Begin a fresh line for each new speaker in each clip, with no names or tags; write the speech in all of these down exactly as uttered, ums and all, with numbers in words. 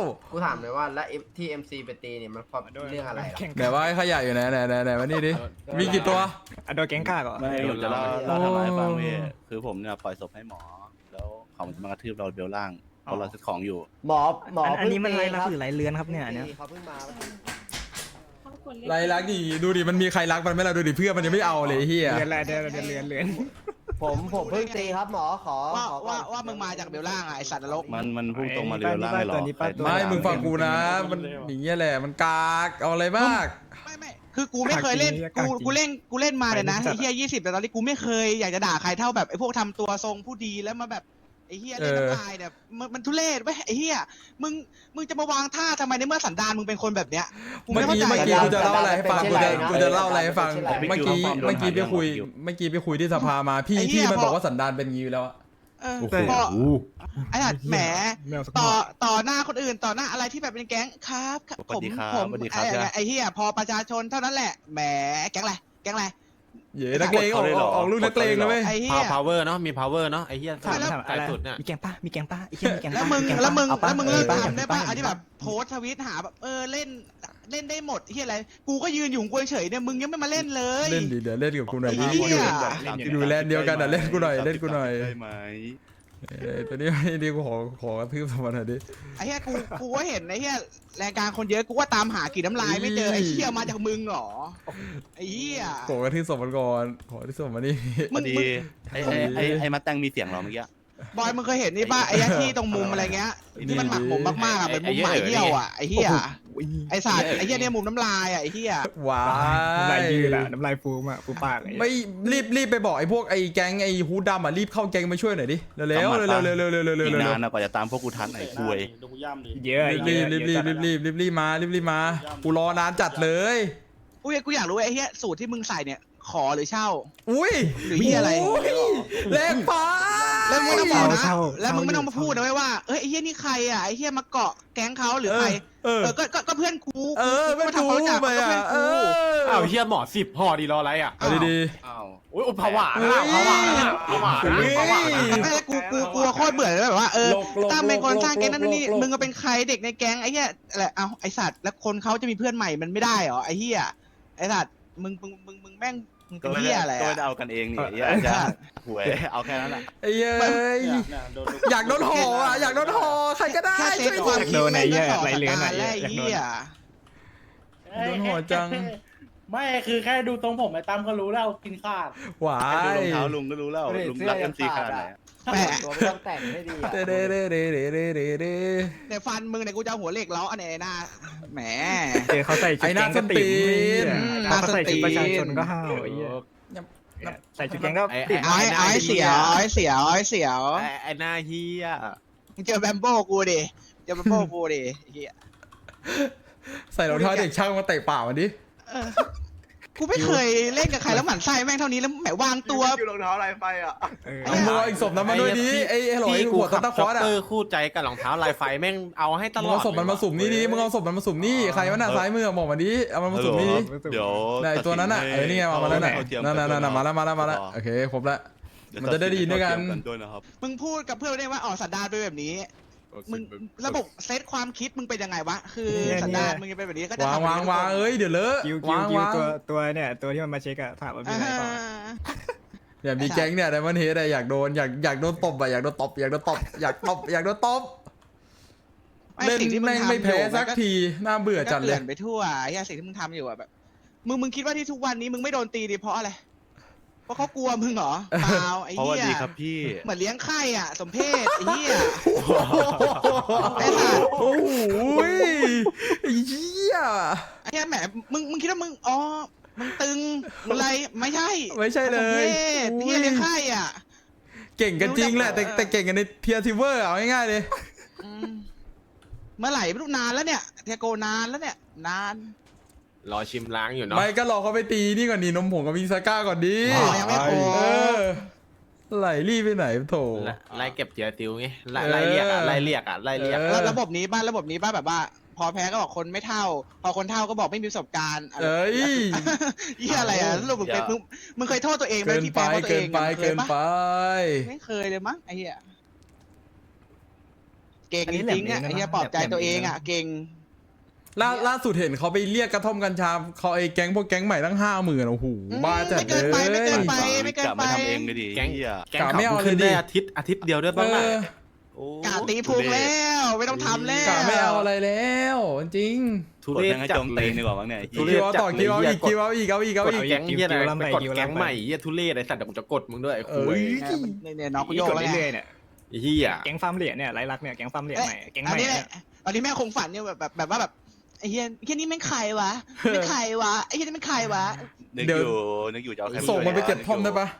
กูถามเลยว่าแล้วที่เอ็มซีไปตีเนี่ยมันเพราะเรื่องอะไรหรอ
ไหนว่าไอ้ขยะอยู่ไหนไหนไหนไหนมานี่ดิมีกี่ตัว
โดนแก๊งฆ่าก่อน
ไม่ผมจะเล่าเล่าทำไมฟังพี่คือผมเนี่ยปล่อยศพให้หมอ แล้วเขาจะมากระทืบเราเบลล่างเพราะเราซื้อของอยู่
หมอหมอ
อันนี้มันไรลักหรือไรเลือนครับเนี่ยเนี่ย
เขาเพิ่งมา
ไรรักดิดูดิมันมีใครรักมันไหมล่ะดูดิเพื่อนมันยังไม่เอาเลยเฮีย
เลือนอะไรเดือนเดือนเลือนเลือน
ผมผมเพิ่งตีครับหมอขอ
ว่า
ขอ
ว่าว่ามึงมาจากเบลล่างอ่ะไอสัตว์นรก
มันมันพุ่งตรงมาเบลล่างเลยเหรอ
ไม่มึงฟังกูนะมันอย่างเงี้ยแหละมันกากเอาอะไรมาก
ไม่ไม่คือกูไม่เคยเล่นกูกูเล่นกูเล่นมาเนี่ยนะไอ้เฮียยี่สิบแต่ตอนนี้กูไม่เคยอยากจะด่าใครเท่าแบบไอ้พวกทำตัวทรงผู้ดีแล้วมาแบบไอ้เฮียเล่นน้ำลายเนี่ยมันมันทุเรศเว้ยไอ้เฮียมึงมึงจะมาวางท่าทำไมในเมื่อสันดานมึงเป็นคนแบบเนี้ย
เมื่อกี้เมื่อกี้กูจะเล่าอะไรให้ฟังกูจะกูจะเล่าอะไรให้ฟังเมื่อกี้เมื่อกี้ไปคุยเมื่อกี้ไปคุยที่สภามาพี่พี่มันบอกว่าสันดานเป็นงี้อยู่แล้วอะ
เออ
โอ้โห
พอไอ้สัตว์แหมต่อต่อหน้าคนอื่นต่อหน้าอะไรที่แบบเป็นแก๊งครับผมผมไอ้ไอ้เฮียพอประชาชนเท่านั้นแหละแหมแก๊งอะไรแก๊งอะไร
เย้นักเลงออกออกลูกนักเลงเลยเว้ย
ไอ้เฮีย
พาวเวอร์เนาะมี power เนาะไอ้เหี้ย
ถาม
ไก่สุดเนี่ย
มีแกงป้ามีแกงป้าอีกแค่มีแกง
แล้วมึงแล้วมึงแล้วมึงเลิกทำได้ป่ะอันที่แบบโพสทวิตหาแบบเออเล่นเล่นได้หมดที่อะไรกูก็ยืนอยู่กูเฉยเนี่ยมึงยังไม่มาเล่นเลย
เล่นดิเดี๋ยวเล่นกับกูหน่อยดิ
ไอ้เหี้ย
อยู่แลนด์เดียวกันอ่ะเล่นกูหน่อยเล่นกูหน่อย
ได้ไหม
เอ้ยตัวนี้ไม่ดีกูขอขอกระทืบสมานหน่อยดิ
ไอ้เหี้ยกูกูก็เห็นไอ้เหี้ยรายการคนเยอะกูว่าตามหากี่น้ำลายไม่เจอไอ้เหี้ยมาจากมึงเหรอไอ้เหี้ย
ขอกระทืบสมันก่อนขอกระทืบสมันนี่
พอดีไอ้ไอ้ไอ้ไอ้มาแตงมีเสียงเหรอเมื่อกี้
บอยมึงเคยเห็นนี่ป่ะไอ้ยักษ์ที่ตรงมุมอะไรเงี้ยที่มันหมักหมมมากๆอ่ะเป็นมุมหมายเหี้ยวอ่ะไอ้เหี้ยไอ้สัตว์ไอ้เหี้ยเนี่ยมุมน้ำลายอ่ะไอ้เหี้ย
ว้า
น้ำลาย
ย
ยืดอะน้ำลายฟูมอะฟูปาก
ไม่รีบรีบไปบอกไอ้พวกไอ้แก๊งไอ้ฮูดดำอ่ะรีบเข้าแก๊งมาช่วยหน่อยดิเร็วเร็วเร็วเร็วเร็วเร็วเร็วเร็ว
อีก
เร็วน
านนะกว่าจะตามพวกกูทันไอ้คุย
เยอะ
รีบรีบรีบรีบรีบรีบรีบมารีบรีบมากูรอนานจัดเลย
อุ้ยกูอยากรู้ไอ้เหี้ยสูตรที่มึงใส่เนี่ยขอหรือเช่า
อุ้ย
หรือเหี้ยอะไร
แรงไป
แล้วมึงไม่ต้องบอกนะแล้วมึงไม่ต้องมาพูดนะเว้ยว่าเอ้ยไอ้เหี้ยนี่ใครอ่ะไอ้เหี้ยมาเกาะแก๊งเขาหรือใคร
เออ
เออก็ก็ก็เพื่อนกู
เออไม่
มา
ถู
ทำความรู้จัก
ไป
ก็
อ่ะ
เพื่อน
เอ
กู
อ
อ้าวเหี้ยหมอสิบห่อดีรออะไรอ่ะ
เอาดี
อ้าว
โอ้ยผวานะผวานะผวานะผวานะ
ไม่ใช่กูกูกูโคตรเบื่อเลยแบบว่าเออ
หลบหลบ
ตั้มเป็นคนสร้างแก๊งนั่น
หลบ
นี่
หลบ
มึงก็เป็นใครเด็กในแก๊งไอ้เหี้ยอะไรเอาไอ้สัตว์แล้วคนเขาจะมีเพื่อนใหม่มันไม่ได้เหรอไอ้เหี้ยไอ้สัตว์มึงมึงมึงมึงแม่งมึง
ก็
เป็น
ไม่
เหี้ย
ได้
อะไร
ก็ไม่
อะ
ได้เอากันเองนี่ไอ้จะหวยเอาแค่นั้นแหละ
ไอ้เย้ยอยากโดนห่ออ่ะอยากโดนห่อใครก็ได้
แค่เซ
ช่
ต
วย
ความ
ที
คิดแม่งก็สอบสการแล้วไอ้เหี้ย
โดนห่อจัง
ไม่คือแค่ดูตรงผมไอ้ตั้มก็รู้แล้วกินขาด
หวา
แค่ดู
ย
รองเท้าลุงก็รู้แล้วลุงรักเอ็มซีขนาดไหน
แปะ
ตัวไม่ต้องแต่งให้ดีอ่ะ
เด้เด้เด้เด้เด้เด้เด้เด้
ในฟันมึงเนี่ยกูจะเอาหัวเหล็กเล้าอันไหนหน้าแหม
เจอเขาใส่ชุดแก๊งก็ติ่มเขาใส่ชุดประชาชนก็ห้าวไอ้เหี้ยใส่ชุดแก๊งก็ติ่ม
เอาให้เอาให้เสียวเอาให้เสียวเอาให้เสียว
ไอ้ไอ้หน้าเหี้ย
มึงเจอแบมโบ้กูดิเจอแบมโบ้กูดิไอ้เหี้ย
ใส่รองเท้าเด็กช่างมาเตะป่ามันดิ
เออกูไม่เคยเล่นกับใครแล้วหมั่นไส้แม่งเท่านี้แล้วแหมวางตัว
รองเท้าอะไรไปอ่ะ
เอามืออีกศพนั้นมาด้วยดิไอ้ไอ้หลอย
พี่กู
หัว
ขั
ตะ
บ
ตะค
จ็อ
อก ร์ด
เก
อ่ะ
อร์คู่ใจกับรองเท้าลายไฟแม่งเอาให้ต
มึ
ล
ง
อด
เอาศพมันมาสุ่มนี่ดิมึงเอาศพมันมาสุ่มนี่ใครวะน่ะซ้ายมือบอกมาดิเอามันมาสุ่มนี่ดิ
เดี๋ยว
ไหนตัวนั้นน่ะเออนี่ไงมาแล้วน่ะนั่นนั่นนั่นมาแล้วมาแล้วมาแล้วโอเคครบแล้ว มันจะได้ดีด้วยกัน
ด้วยนะครับ
มึงพูดกับเพื่อนได้ว่าอ๋อสันดานเป็นแบบนี้มึงระบบเซตความคิดมึงเป็นยังไงวะคือสันดานมึงจะเป็นแบบนี้ก็จะ
วาง
ทำ
วางวางเอ้ยเดี๋ยวเลอะ
คิวคิว
วาง
คิว
วาง
ตัวตัวเนี่ยตัวที่มันมาเช็คอะถามว่ามี
อ่า
อะไรเปล่า
เนี่ยมีแก๊งเนี่ยไดมอนด์เฮดอยากโดนอยากอยากโดนตบอะอยากโดนตบอยากโดนตบอยากตบอยากโดนตบ
ไม่
เล่น
สิ่งที่มึง
แม่ง
ทำ
ไม่แพ้
อยู่
สัก
มัน
ทีน่าเบื่อจัด
ก็
เล
เก
ย
ลื่อนไปทั่วไอ้เหี้ยสิ่งที่มึงทำอยู่อะแบบมึงมึงคิดว่าที่ทุกวันนี้มึงไม่โดนตีดิเพราะอะไรเพราะเขากลัวมึงเหรอเปล่าไอ้
เพราะว่า
เหี้ย
ดีครับพี่
เหมือนเลี้ยงไข่อ่ะสมเพศไอ้เหี้ย ไอ้สัตว์
โอ้โหไอ้เหี้ย
ไอ้เหี้ยแหมมึงมึงคิดว่ามึงอ๋อมึงตึงมึงอะไรไม่ใช่
ไม่ใช่เล
สม
ย
เพศเหี้ยเลี้ยงไข่อ่ะ
เก่งกันจริงแหละแต่แต่เก่งกันในเทียร์ทิเวอร์เอาง่ายๆเลย
อืมเมื่อไหร่ไม่รู้นานแล้วเนี่ยเทโกนานแล้วเนี่ยนาน
รอชิมล้างอยู่เนาะ
ไม่ก็รอเขาไปตีนี่ก่อนดีนมผงกับวิงซาก้าก่อนดี
อ๋อยังไม่โคร
เออไหลรีบไปไหนโถ
ไล่เก็บเจียติวไงไล่ไล่เรียกอ่ะไล่เรียกอ่ะไล่เรียก
เออ
แล้วระบบนี้บ้านระบบนี้บ้านแบบว่า พอแพ้ก็บอกคนไม่เท่า พอคนเท่าก็บอกไม่มีประสบการณ์อะไร
เอ้ย
เหี้ยอะไรอ่ะสรุปมึงเป็นมึงมึงเคยโทษตัวเองไหม
เกิน
ที่
ไป
แพ้เพราะตัว
เกิ
เอน ง
ไป
อะมึงเค
เกิ
ย
น
ปะ
ไป
ไม่เคยเลยมั้งไอ้เหี้ยเก่งจริงๆอ่ะไอ้เหี้ยปลอบใจตัวเองอ่ะเก่ง
ล่าล่าสุดเห็นเขาไปเรียกกระท่อมกัญชาเขาไอ้แก๊งพวกแก๊งใหม่ตั้งห้าหมื่นโอ้โหบ้าจัด
ไม่เกินไปไม่เกินไป ไม่เกินไป
กะมาทำเองก็ดี
แก๊ง
เหี้ย
แก๊งเขาขึ้นได้อาทิตย์อาทิตย์เดียวด้วย
เอ
บ้าง
อ
โอ้
กาตีพุงแล้วไม่ต้องทำแล้ว
กะไม่เอาอะไรแล้วจริง
ทุ
กด
เรศ
แม่งให้
จั
โจ
ด
ม
เล
ตี
ย
นดีกว่ามั้งเนี่ย
ทุเร
คิ
ศ
วเอาต่อคิวเอาอีกคิวเอาอีกเอาอีกเอา
กด
อีก
แก๊งเหี้ยอะไรไปกดแก๊งใหม่เหี้ยทุเรศไอ้สัตว์เดี๋ยวกูจะกดมึงด้วยไอ้
เอ
คุ
อย
เนี่ยน้องกู
โย
โย
ก
กแล้ว
เรื่
ไง
อยๆเนี่ย
ไอ้เหี้ย
แก๊งฟาร์มเหรียญเนี่ยไรลักเนี่ยแก๊งฟาร์มเหรียญใหม่แก๊งให
อัน
ม่
นี้
เนี่ย
อันนี้แม่คงฝันเนี่ยแบบแบบแบบว่าแบบไอ้เฮียเฮียนี่แม่งใครวะไม่ใครวะไอ้เฮียนี่แม่งใครวะ
นึกอยู่นึกอยู่จะเอาใคร
ส่งมันไปเก็บท่อมได้ปะ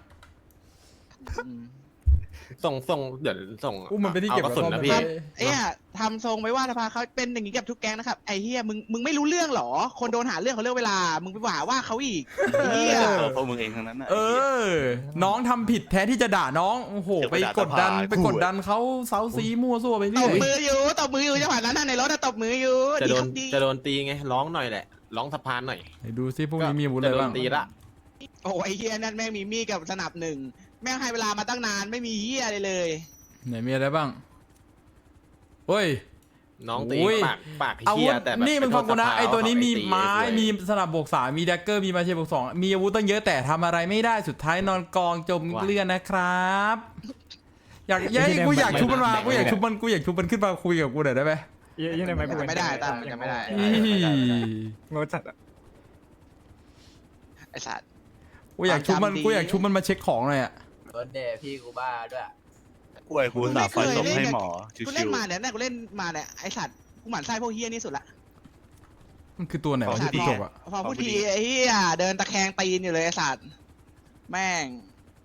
ส่งส่งเดี๋ยวส่ง
อุ้มมันไปที่เก็บ
อากระสุน
กระ
นะ
ท่อม
พี่
ไป
ไอ้เฮียทำทรงไว้ว่าสภาเขาเป็นอย่างนี้กับทุกแก๊งนะครับไอ้เฮียมึงมึงไม่รู้เรื่องหรอคนโดนหาเรื่องเขาเรื่องเวลามึงไปว่าว่าเขาอีกไอ้เฮีย
ตัวพวกมึงเองทั้งนั้นน่ะ
เออ น้องทำผิดแท้ที่จะด่าน้องโอ้โหไปกดดันไปกดดันเขาเซาซีมั่วซั่วไป
ต
เรื่อบ ย
มืออยู่ตบมืออยู่จังหวะนั้นน่ะในรถน่ะตบมืออยู่
จะโดน
ดี
จะโดนตีไงร้องหน่อยแหละร้องสะพานหน่อย
ไหนดูซิพวกนี้มีอาวุธอะไร
จะโด
บ้าน ง
ตีละ
โอ้ไอ้เฮียนั่นแม่งมีมีดกับสนับหนึ่งแม่งให้เวลามาตั้งนานไม่มีเฮียอะไรเลย
ไหนมีอะไรบ้างเฮ้ย
น้องตี
โอ้ย
ปากปาก
อา
เหี้
วุ
ย
ธ
แต่แบบ
นี่มันฟังกูนะไอตัวนี้มีไม้
มี
มีสนับบวกสามมีแดกเกอร์มีมาเชบวกสองมีอาวุธตั้งเยอะแต่ทำอะไรไม่ได้สุดท้ายนอนกองจมเกลือนนะครับ อยากยัยกูอยากชุบมันมากูอยากชุบมันกูอยากชุบมันขึ้นมาคุยกับกูหน่อยได้ไหม
ยังไงไม่
จะไม่ได้ตามจะไม่ได้
อี
งดจัดอะ
ไอ้สัตว์
กูอยากชุบมัน
จำดี
กูอยากชุบมันมาเช็คของหน่อยอ่ะ
รถเดย์พี่กูบ้าด้วย
กล้วยกูสาไฟศพให้หมอชิ
กูเล่
วน
มาเนี่ยนะกูเล่นมาเนี่ยไอ้สัตว์กูหมั่นไส้พวกเฮียนี่สุดละ
มันคือตัวไหนวะที่กูจบอ่ะ
พอพูดทีไอ้เฮียเดินตะแคงตีนอยู่เลยไอ้สัตว์แม่ง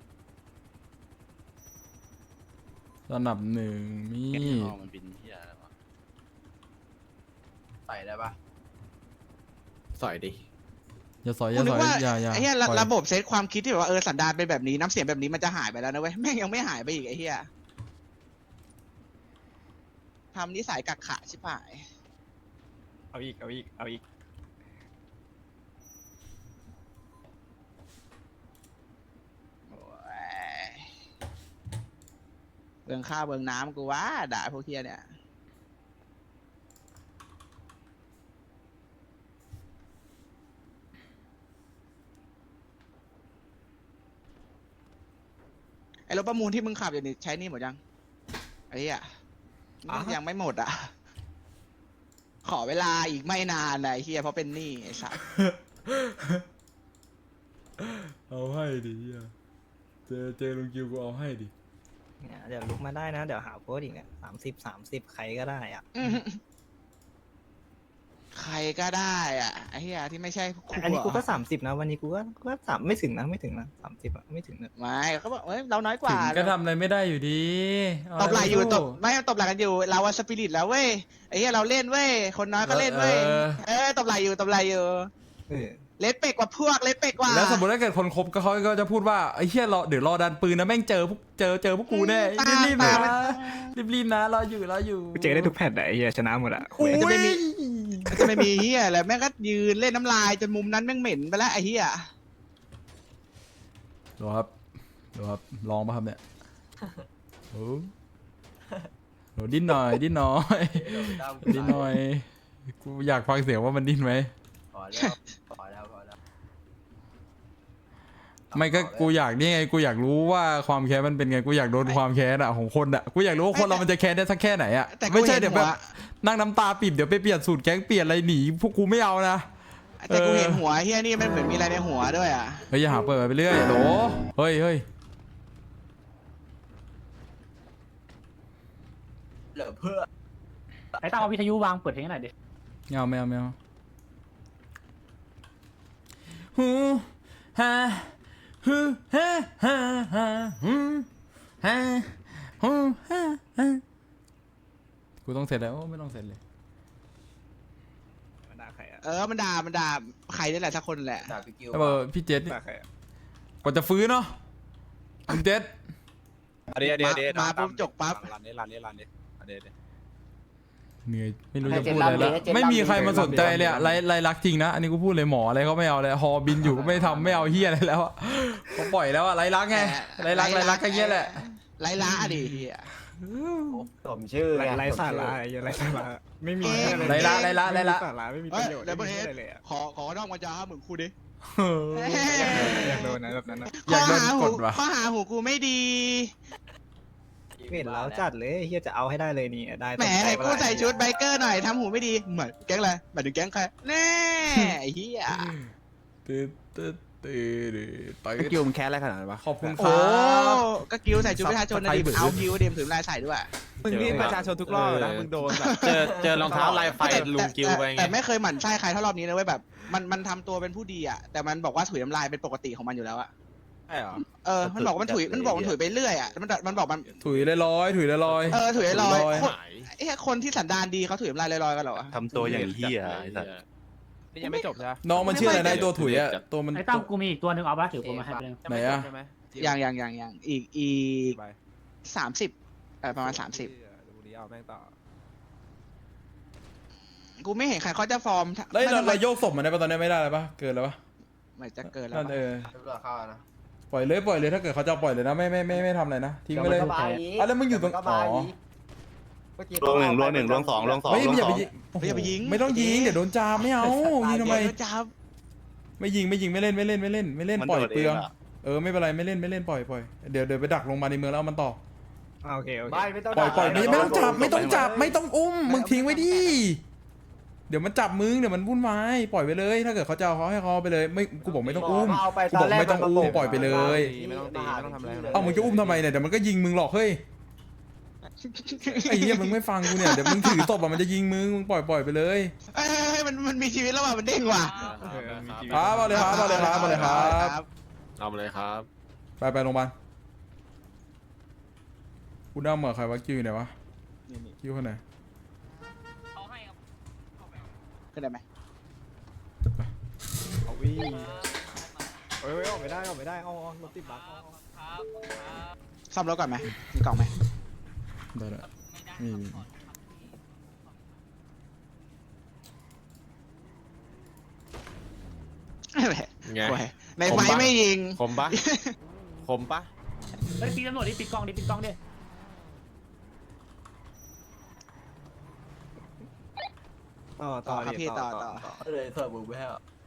สนับหนึ่งมี
ๆนี่มันบินเหี้ยอะไรวะ
ใส่ได้ปะ
สอยดิ
อย่าสอยอ
กู
ย่า
นึ
ส
ก
อย
ว่า
อย่าอย่า
ไอ้เฮีย
ปล่อย
ระบบเซตความคิดที่แบบว่าเออสันดานเป็นแบบนี้น้ำเสียงแบบนี้มันจะหายไปแล้วนะเว้ยแม่งยังไม่หายไปอีกไอ้เฮียทำนิสัยกักขะชิบหาย
เอาอีกเอาอีกเอาอีก
โอ้ยเบืองข้าวเบืองน้ำกูว่าด่าพวกเฮียเนี่ยไอ้รถประมูลที่มึงขับอยู่นี่ใช้หนี่หมดยังไอ้เหี้ยยังไม่หมดอ่ะ ขอเวลาอีกไม่นานนะไอ้เฮียเพราะเป็นหนี้ไอ้สัส
เอาให้ดิเหี้ยเจอเจอลุงกิวกูเอาให้ดิ
เนี่ยเดี๋ยวลุกมาได้นะเดี๋ยวหาโพสต์อีกเนี่ยสามสิบสามสิบใครก็ได้อ่ะ
ใครก็ได้อ่ะไอ้เฮียที่ไม่ใช่ครู
อันนี้กูก็
อะ
สามสิบนะวันนี้กูก็ก็สามไม่ถึงนะไม่ถึงนะสามสิบอะไม่ถึงนะ
ไม่เขาบอกเอ้ยเราน้อยก
ถึ
ว่าง
ก็ทำอะไรไม่ได้อยู่ดีเา
ตบไหลอยู่
สู้
ตบไม่ตบไหลกันอยู่เราวันสปิริตแล้วเว้ยไอ้เฮียเราเล่นเว้ยคนน้อยก็เล่นเว้ย
เออ
เออตบไหลอยู่ตบไหลอยู่
เออ
เล็ดเป็กกว่าพวกเล็ดเป็กกว่า
แล้วสมมติถ้าเกิดคนคบก็เขาก็จะพูดว่าไอ้เหี้ยรอเดี๋ยวรอดันปืนนะแม่งเจอพวกเจอเจอพวกกูแน่รีบๆนะรีบๆนะรออยู่รออยู่
กูเจอได้ทุกแพทย์อะไอ้เหี้ยชนะหมดอะ
อุ้ย
จะไม่มีจะไม่มีเฮียอะไรแม่งก็ยืนเล่นน้ำลายจนมุมนั้นแม่งเหม็นไปแล้วไอ้เฮีย
ดูครับดูครับลองป่ะครับเนี่ยโอ้โหดิ้นหน่อยดิ้นหน่อย
เดี๋ยวตั้ม
ดิ้นหน่อยกูอยากฟังเสียงว่ามันดิ้นไหม
พอแล้วพอแล้วพอแล้ว
ไม่ก็กูอยากนี่ไงกูอยากรู้ว่าความแค้นมันเป็นไงกูอยากโดนความแค้นอะของคนอะกูอยากรู้ว่าคนเรามันจะแค้นได้สักแค่ไหนอะ
แต่กู
ไม่ใช่
เห็น
เดี๋ยวแบบ
หัว
นั่งน้ำตาปิดเดี๋ยวไปเปลี่ยนสูตรแก๊งเปลี่ยนอะไรหนีพวกกูไม่เอานะ
แต่กู
เออ
เห็นหัวเฮียนี่มันเหมือนมีอะไรในหัวด้วยอ่ะ
เฮ้ยอย่าหาเปิดไปเรื่อยโหลเฮ้ยเฮ้ย
เหลือเพื่อ
ไอ้ตั้มเอาวิทยุวางเปิดเพลงให้หน่อยดิ
ไม่เอาไม่เอาไม่เอาฮูฮ่าฮูฮ่าฮ่าฮ่าฮูฮ่าฮูฮ่าฮ่ากูต้องเสร็จแล้วโอ้ไม่ต้องเสร็จเลย
มันด่าใครอะ
เออมันด่ามันด่าใครนี่แหละสักคนแหละ
ด่าพี่กิว
แล้วเบอร์พี่เจษนี่
ด่าใครอะ
กว่าจะฟื้นเนาะคุณเจษ
เดี๋ยวเดี๋ยวเดี๋ยว
มาปุ๊บจกปั๊บ
รันนี้รันนี้รันนี้เดี๋ยวเดี๋ยว
เหนื่อยไม่รู้จะพูดอะไรแล้วไม่มีใครมาสนใจเลยอะไรไรรักจริงนะอันนี้กูพูดเลยหมออะไรเขาไม่เอาเลยฮอบินอยู่ก็ไม่ทำไม่เอาเฮียอะไรแล้วอะเขาปล่อยแล้วอะไรรักไงไรรักไรรักก็เงี้ยแหละ
ไรล้าดิเฮีย
สมชื่อ
ไร
ไง
ไรสาระไอ้ไรสาระไม่มีอะไร
ไรละไรละไรละ
สาระไม่มี
เอ้
ป
ย
ระโยชน์
เดี๋ยว
ไม่
เบอ
มี
ร์เฮด
อะไรเลยอะ
ขอขอน้องมาจ้าเหมือนครูดิ
อยากโดนนะแบบนั้นนะ
อยากโดน
ข้ห
ก
หู
ดว่ะ
ข้อหาหูกูไม่ดี
เห็นแล้วจัดเลยเฮียจะเอาให้ได้เลยนี่ได้
แหมไหนกูใส่ชุดไบเกอร์หน่อยทำหูไม่ดีเหมือนแก๊งอะไรหมายถึงแก๊งใครแน่ไอ้เหี้ย
ตึ๊ดตึ๊ดตึ๊ดไป
กิวมันแค่อะไรขนาดนั้นวะ
ขอบคุณค
โอ้
รับ
ก็กิ้วใส่ชุดประชาชนนะดิ
ใครเบื่อ
เอากิ้วเดมถือลายใส่ด้วย
มึงนี่ประชาชนทุกรอบนะมึงโดนแบบเจอเจอรองเท้าลายไฟลุงกิวไป
แต่
ไง
แต่ไม่เคยหมั่นไส้ใครเท่ารอบนี้นะเว้ยแบบมันมันทำตัวเป็นผู้ดีอ่ะแต่มันบอกว่าถุยน้ำลายเป็นปกติของมันอยู่แล้วอะ
ใช่เหรอ
เออมันบอกว่ามันถุยมันบอกมันถุยไปเรื่อยอ่ะมันมันบอกมัน
ถุยลอยๆถุยลอย
เออถุยลอย
ถุย
คนไอ้คนที่สันดานดีเขาถุยน้ำลายลอยๆกันเหรอวะ
ทำตัวอย่างเหี้ยไอ้สัส
นี่ยังไม่จบใช่ไหม
น้องมันชื่ออะไรนะไอ้ตัวถุยอะตัวมัน
ไอ้ตั้มกูมีอีกตัวหนึ่งเอาปะถือกูมาให้ไปเลย
ไหนอะ
ใช่ไหม
อย่างอย่างอย่างอย่างอีกอีกสามสิบเออประมาณสามสิบ
ดูดีเอาแม่งต่อ
กูไม่เห็นใครเขาจะฟอร์ม
แล้วเรา
ไม่
เราโยกศพมันได้ปะตอนนี้ไม่ได้แล้วปะเกินแล้วปะ
เหมือนจะเกินแล้ว
นั่น
ปะ
เออ
ตำรวจเข้านะ
ปล่อยเลยปล่อยเลยถ้าเกิดเขาจะปล่อยเลยนะไม่ไม่ไม่ไม่ทำอะไรนะทิ้งไปเลย
ดี๋วมันก็มาอีก
อ่ะแล้วมึงอยู่ตรง
เดี๋วมันก็มา
อ๋อ
อีกเมื่อกี้
ลวงหนึ่งลวงหนึ่งลวงสองลวงสอง
ไม่
ลวง
อย่า
ส
ไป
อง
ยิง
ไม่อย่าไปยิง
ไม่ต้องยิงเดี๋ยวโดนจามไม่เอายิงทำไม
เดี๋ยวจับ
ไม่ยิงไม่ยิงไม่เล่นไม่เล่นไม่เล่นไม่เล่น
มัน
ปล่อย
โดด
เปลือง
เองอะ
เออไม่เป็นไรไม่เล่นไม่เล่นปล่อยปล่อยเดี๋ยวเดี๋ยวไปดักลงมาในเมืองแล้วเอามันต่อ
อ่าโอเคโอเค
ไม่ไม่ต้อง
ปล่อยปล่อยไม่
ด่า
ไม่ต้องจับไม่ต้องจับ
เลย
ไม่ต้องอุ้มมึงทิ้งไว้ดิเดี๋ยวมันจับมึงเดี๋ยวมันวุ่นวายปล่อยไปเลย ถ้าเกิดเขาจะเอาเขาให้เขาเอาไปเลยไม่กูบอกไม่ต้องอุ้ม
เอาไป
กูบอกไม่ต้องอุ้มปล่อยไปเลย
ไม่ต้องตีไม่ต้องทำอะไรทั้งนั้น
เอ้ามึงจะอุ้มทำไมเนี่ยเดี๋ยวมันก็ยิงมึงหรอกเฮ้ยไอ้เหี้ยมึงไม่ฟังกูเนี่ยเดี๋ยวมึงถือตบอะมันจะยิงมึงมึงปล่อยปล่อยไปเลย
เอ้ยเฮ้ยมันมันมีชีวิตแล้วว่ะมันเด้งว่ะ
เออมีชีวิต
ครับเอาเลยครับเอาเลยครับเอาเลยครับ
เอามาเลยครับ
ไปไปโรงพยาบาลกูนั่งเหมือนใครวะคิวอยู่ไหนวะคิวคนไหน
ขึ้นได้ไหม
เอาวิ่งเอ้ยออกไม่ได้ออกไม่ได้เอาเอารถติดบั๊กเอาเอา
ซ่อมรถก่อนไหมมีกล่องไหม
ได้ละนี่นี่
นั่นแหละ
ไง
โอ้ยในไฟไม่ยิง
คมปะคมปะ
เฮ้ยปีตำรวจดิปิดกล้องดิปิดกล้องดิ
ต่อ
ต่
ต่
อ
อ
ครับ
ดิ
พี่ต่อต่อ
เลยเสิร์ฟมึงไปให้อ่ะ